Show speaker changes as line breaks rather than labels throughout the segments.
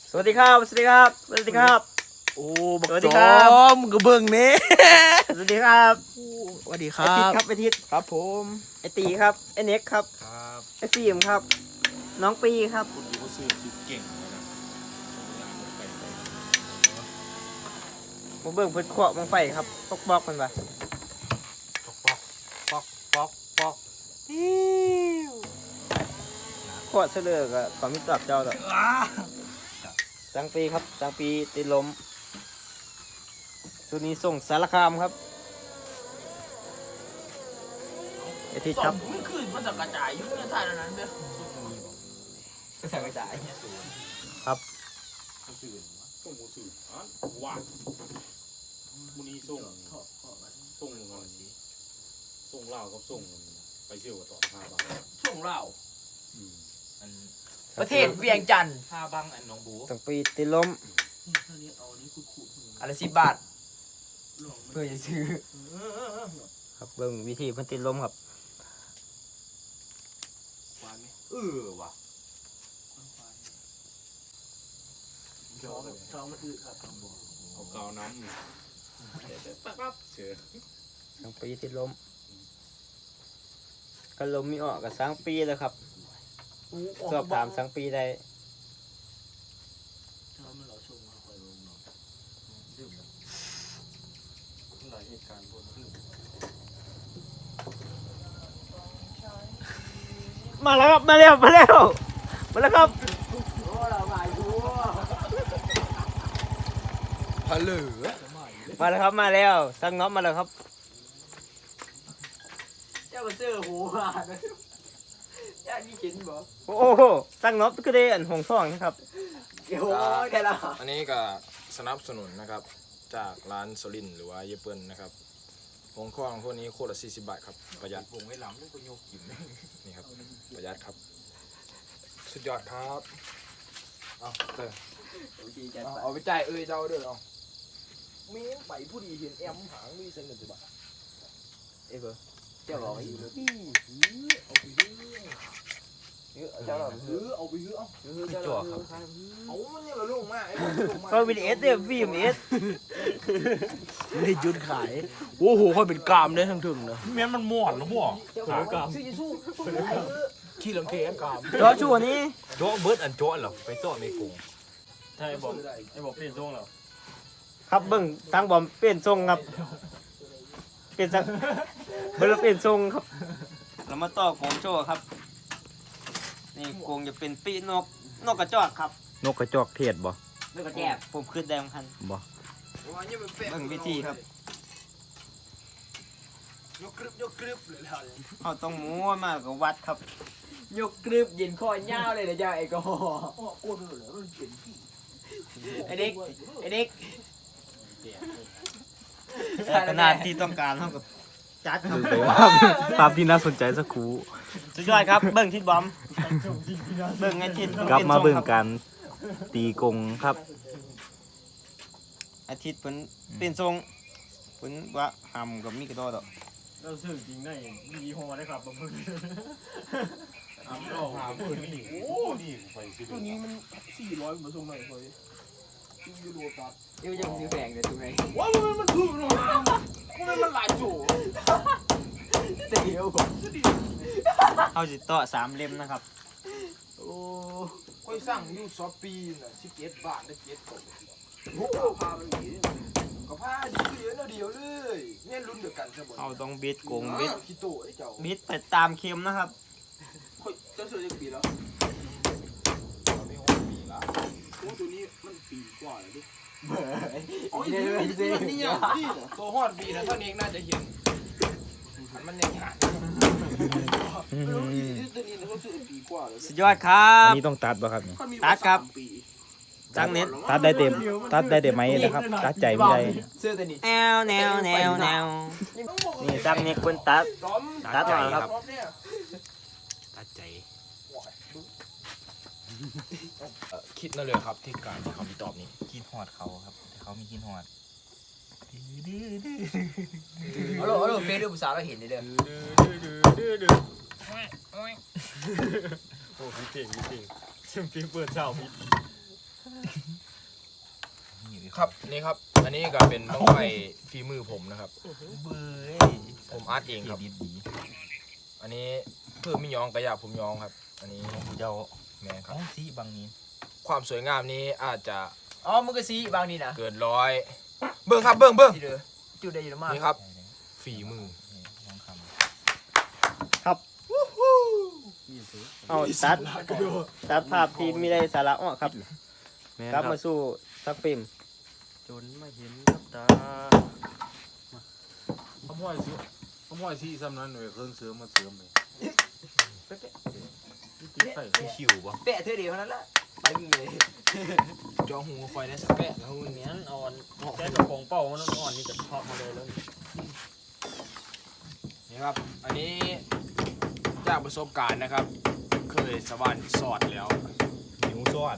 สวัสดีครับสวัสดีครับสวัสดีครับ
โอ้
สวัสดีครับ
กระเบื้องนี้
สวัสดีครับ
สวัสดีค
ไอ
รั
ทิศ
บ
ครับไอทิศ
ครับผม
ไอตีครับไอเน็กครับ
ครับ
ไอฟิล์มครับน้องปีครับ
คุณดูว่าซื้อคือเก่งเลยนะงานมันไปเลย
มาเบิ่งเพิ่นขวบมังไฟครับตกบอกมันปะ
ป๊อกป๊อกป๊อก
ขวบเสลือกับความมิตรกับเจ้าต่อสังปีครับสังปีติดลมสุนี้ส่งสารคามครับไอทิศครับ
ไม่คืนมันจะกระจายยุ่งในท่านั้นเด้อ
ก็สั่งกระจาย
ก็ซื้อส่งมูซื้อว่ามูนี้ส่งเงินส่งเหล้ากับส่งไปเที่ยวกับต่อ5 บาท
ช่วงเรา
อัน
ประเทศเวียงจันทร์
5 บังอันน้องบู
สังปีติดลม
อันละ10 บาท
เพื่อจะซื้อครับเบิ่งวิธีเพิ่นติดลมครับ
ว่ะ
ท้องมันอืดครับ
เอากาวน้ำปั๊บเชื่อ
สังปีติดลมก็ลมมีออกกับสังปีแล้วครับสอบถามสังปีได้
หลายเหตุการณ์พวกนี้
มาแล้วครับมาแล้วมาแล้วมาแล้วครับ
ฮัลโหล
มาแล้วครับมาแล้วสังน็อตมาแล้วครับ
เจ้ามาเจอโหอ่ะย่านี่เห็นบ่
โอ้โหสังน็อตก็ได้อันหงทองนะครับ
โอ้ยแค่ละ
อันนี้ก็สนับสนุนนะครับจากร้านโซลินหรือว่าเยเปิลนะครับหงข้องพวกนี้โคตรละ40 บาทครับประหยัด
วงไว้หลังนี่ก็โยกกิน
นี่ครับประหยัดครับสุดยอดครับเอาเตอ
เอาไปจ่ายเจ้าเด้อเอามีไปผู้ดีเห็นแอมหางมีเส้นหนึ่งบาท
เอ้ยเบอร์
เจ้าบอกอีกเลยเอาไปซื้อเจ้าบอกซื้อเอาไปซื้อเอาจ่อครับเอามันยังละลงมากไอ้ลงมา
ก็วิดีเอสเดียวฟิล์มเอส
ไม่ได้จุดขายโอ้โหค่อยเป็นกามได้ทั้งถึงนะ
แม่นมันม่วนหรือบ่
ขากามขี้ลังเกะกาม
จอชัวนี้
โจ๊ะเบิร์ดอันโจ๊ะเหรอไปโจ๊ะเมกง
ใช่บอกไอ้บอก
เปลี่ยนช่วงแล้ว
ครับเบิ่งทางบอมเปลี่ยนทรงครับเปลี่ยนสังเบิ่งแล้วเปลี่ยนทรงครับเรามาต่อโกงโจ้ครับนี่โกงจะเป็นปีนกกระจอกครับ
นกกระจอกเทศบ่
นกกระแจกผมขึ้นแดงพัน
บ่
เบิ่งวิธีครับ
ยกกรึบเลยล่ะ
เขาต้องม้วนมากกับวัดครับ
ยกกรึบยินคอยเงาเลยนะเจ้าไอ้ก็โอ้โหเหลือมันเปลี่ยนที่ไอ้เด็ก
ขนาดที่ต้องการเท่ากับจัดครับ
ภาพที่น่าสนใจสักครู่
สุดยอดครับเบิ่งทิศบอมเบิ่งไอ้ทิศ
กลับมาเบิ่ง
ครับ
กันตีกงครับ
อาทิตย์เพิ่นเปลี่ยนทรงเพิ่นว่าหำกับมีกระโดดอก
เราซื้อจริงได้มียี่ห้อได้ครับบางคน
หาเบิ่งนี่โอ้นี่ไปสิ
ตัวนี้มัน400มาส่งหน่อยเฮ้ยที่ยูโรตัด
เดี๋ยวจะซื้อแพงเลยถูกไหม
ว้าวมันถูกเลยมันหลายโจ
เดี๋ยวเอาสิต่อ3 เล่มนะครับ
โอ้ค่อยสั่งยูซอปีน่ะ17 บาทได้7กล่องโอ้พาไปหนีก็พาดีเหลือเดียวเลยเนี่ยรุ่นเดียวกันใช่บ่
เอาต้องบิดโกงบิด
ขี้โตไอ้เจ้า
บิดไปตามเข็มนะครับ
ค่อยเจ้าซื้อจะปีแล้ว
ไม่หกปีละ
โอ้ตัวนี้มันปีกว่าแล้วดิ
โอ้
โอ้
ย
ย
นี่
นี่นี่นี่ตัวฮอดปีนะท่านเองน่าจะเห็นมันยังหาไม่รู้อีตัวนี้เขาซื้อปีกว่าแล้ว
สุดยอดครั
อั
บ
นนี้ต้องตัดป่ะครับนี่
ตัดครับจังเน็ต
ตัดได้เต็มไหมนะครับตัดใจไม่ได้
ซื้อตัวนี้
แนวนี่จังเน็ตเพิ่นตัด ตัดหน่อยครับ
ตัดใจคิดนั่นเลยครับที่การที่เขามีตอบนี้
กินหอดเขาครับแต่เขามีกินหอด
เอาโลเฟซดูภาษาเราเห็นเลยเด้อ
โอ้พี่เก่งซึ่งพี่เปิดเช้าพี่
ครับนี่ครับ อันนี้ก็เป็นบั้งไฟฝีมือผมนะครับ
เบื่อ
ผมอาร์ตเองครับ อันนี้เพื่อไม่ยองกระยาผมยองครับ อันนี้เจ้าแม่ครับ
สีบางนี้
ความสวยงามนี้อาจจะ
อ๋อมึงก็สีบางนี้นะ
เกินร้อยเบิ้งครับเบิ้งเบิ้ง
ที่เด้อจุดได้อยู่มาก
นี่ครับฝีมือ
เอาตัดภาพที่ไม่ได้สาระออกครับกลับมาสู่สักฟิล์ม
จนไม่เห็นกับตา
ผมห้อยสิซ้ำนั้นหน่วยเครื่องเสริมมาเสริมเลยใส่คิวบ่
แปะเท่าเดียวเท่านั้นละไปมึงเลย
จอหูคอยได้สักแปะ
แล้วเนี้ยอ่อนแค่กระโปรงเป้ามันอ่อนนี่จะทอดมาเลยแล้ว
นี่ครับ อันนี้จากประสบการณ์นะครับ เคยสวรรค์สอดแล้ว
นิ้วซอด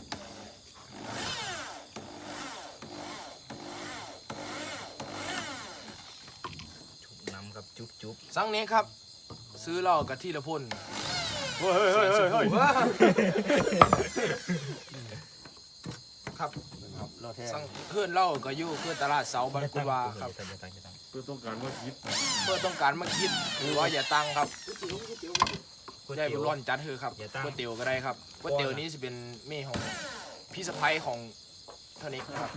น้ำกับจุ๊บ
สังนี้ครับ ซื้อเหล้ากะที่ละพ่น
เฮ้ย
ครับ
เราแท้
สังเพื่อนเหล้าก็อยู่เพื่อนตลาดเสาบันกุวาครับ
เพื่อต้องการว่าคิด
เพื่อต้องการมาคิดหรือว่าอย่าตังครับได้บุญร้อนจัดเถอะครับก๋วยเตี๋ยวก็ได้ครับก๋วยเตี๋ยวนี้จะเป็นเม่ของพี่สะพ้ายของเท่านี้ครับ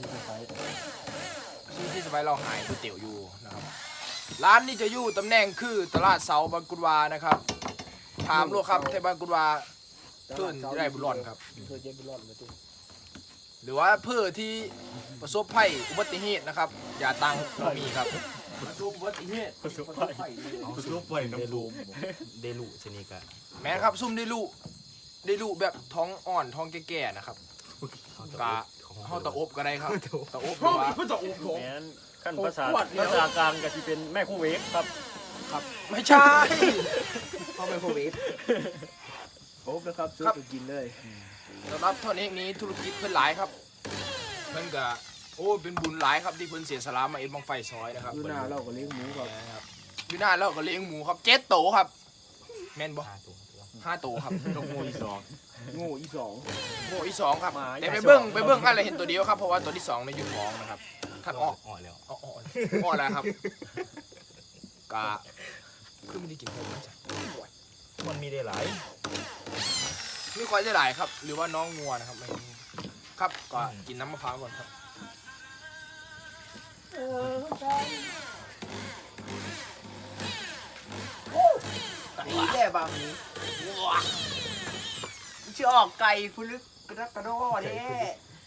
ชื่อพี่สะพ้ายเราหายก๋วยเตี๋ยวอยู่นะครับร้านนี้จะอยู่ตำแหน่งคือตลาดเสาบันกุวานะครับถามลูกครับเทบันกุวาเพื่อนจะได้บุญร้อนครับ
เธอเจ็บบุญรอดมาตุ้
หรือว่าเพื่อที่ประสบภัยอุบัติเหตุนะครับ อย่าตังเรามีครับ
ประสบอุบัติเหตุ
ประสบภัย
คือลบไปน้ำรูม
เดลุชนิกะ
แม่นครับซุ่มได้ลูแบบท้องอ่อนท้องแก่ๆนะครับกะเข้าตะอบก็ได้ครับตะอบหรือว่า
แม้นขั้นภาษากลางก็จะเป็นแม่คู่เวฟครับ
ครับไม่ใช่
เข้าไปโควิดโอ้นะครับซื้อไปกินเลย
สำหรับท่อนเอกนี้ธุรกิจเพิ่นหลายครับเพิ่นก็โอ้เป็นบุญหลายครับที่เพิ่นเสียสละมาเอ็ดบังไฟซอยนะครับ
ดูหน้าเราก็เลี้ยงหมูก่อน
อยู่หน้าเราก็เลี้ยงหมูครับ7 โตวครับแม่นบ่5 โตวครับ
ต้องโมยสอง
โง่อีสอง
โง่อีก2ครับแต่ไปเบิ่งอะไรเห็นตัวเดียวครับเพราะว่าตัวที่2ในยอยู่ท้องนะครับท่านออก
แล้ว
อ้อแล้วครับกะคือไม่ได้กินข้าวมันจ้ะ
มันมีได้หลาย
นี่ควายจะหลายครับ หรือว่าน้องงัวนะครับไม่ครับก็กินน้ำมะพร้าวก่อนครับ
นี่แค่บางนี้ชื่อออกไก่ฟุลึกกระดักกระโดดเด้